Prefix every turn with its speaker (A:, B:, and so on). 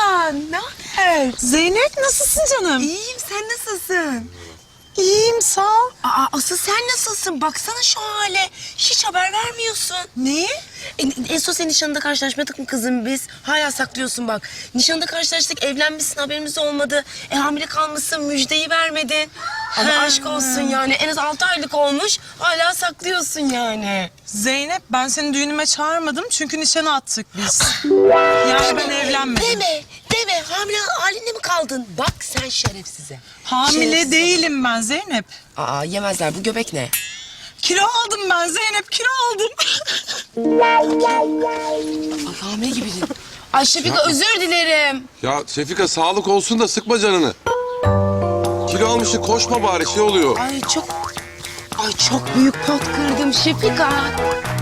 A: ne haber?
B: Zeynep nasılsın canım?
A: İyiyim, sen nasılsın?
B: İyiyim sağ ol.
A: Asıl sen nasılsın? Baksana şu hale. Hiç haber vermiyorsun.
B: Neyi?
A: En son senin nişanında karşılaşmadık mı kızım biz? Hala saklıyorsun bak. Nişanında karşılaştık, evlenmişsin, haberimiz olmadı. Hamile kalmışsın, müjdeyi vermedin. Ama aşk olsun yani. En az 6 aylık olmuş, hala saklıyorsun yani.
B: Zeynep ben seni düğünüme çağırmadım çünkü nişana attık biz. Yani ben evlenmedim.
A: Deme. Hamile halinde mi kaldın? Bak sen şerefsize.
B: Hamile
A: Şerefsize.
B: değilim ben Zeynep.
A: Yemezler. Bu göbek ne?
B: Kilo aldım ben Zeynep, kilo aldım.
A: Ay hamile gibiydin. Ay Şefika özür dilerim.
C: Ya Şefika sağlık olsun da sıkma canını. Kilo almışsın koşma bari şey oluyor.
A: Ay çok büyük pot kırdım Şefika.